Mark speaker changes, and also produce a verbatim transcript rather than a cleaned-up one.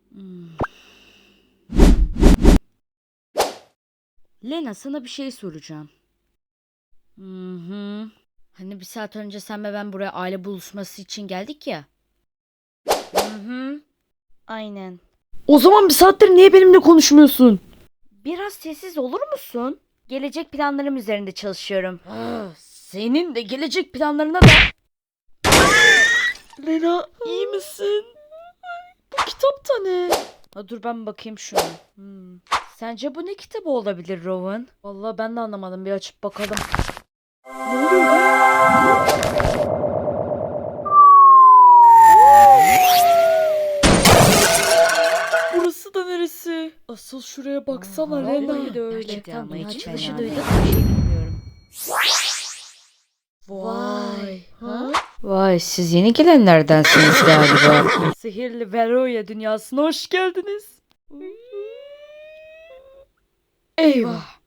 Speaker 1: Hmm. Lena, sana bir şey soracağım. Hı hı. Hani bir saat önce sen ve ben buraya aile buluşması için geldik ya. Hı hı. Aynen.
Speaker 2: O zaman bir saattir niye benimle konuşmuyorsun?
Speaker 1: Biraz sessiz olur musun? Gelecek planlarım üzerinde çalışıyorum.
Speaker 2: Ah, senin de gelecek planlarına da... Lena, iyi misin? Bu kitap da ne?
Speaker 1: Ha, dur ben bakayım şuna. Hmm. Sence bu ne kitabı olabilir Rowan?
Speaker 2: Vallahi ben de anlamadım. Bir açıp bakalım. Ne oluyor be? Burası da neresi? Asıl şuraya baksana
Speaker 1: Aa,
Speaker 2: Lena.
Speaker 1: vallahi de öyle.
Speaker 2: Gerçekten
Speaker 1: Ama
Speaker 2: mi?
Speaker 1: hiç
Speaker 2: Açılışı
Speaker 1: fena
Speaker 2: duydun
Speaker 1: değil.
Speaker 2: mu?
Speaker 1: Bir şey bilmiyorum.
Speaker 2: Vay. Ha?
Speaker 1: Vay, siz yeni gelenlerdensiniz galiba.
Speaker 2: Sihirli Veroya dünyasına hoş geldiniz. Eyvah.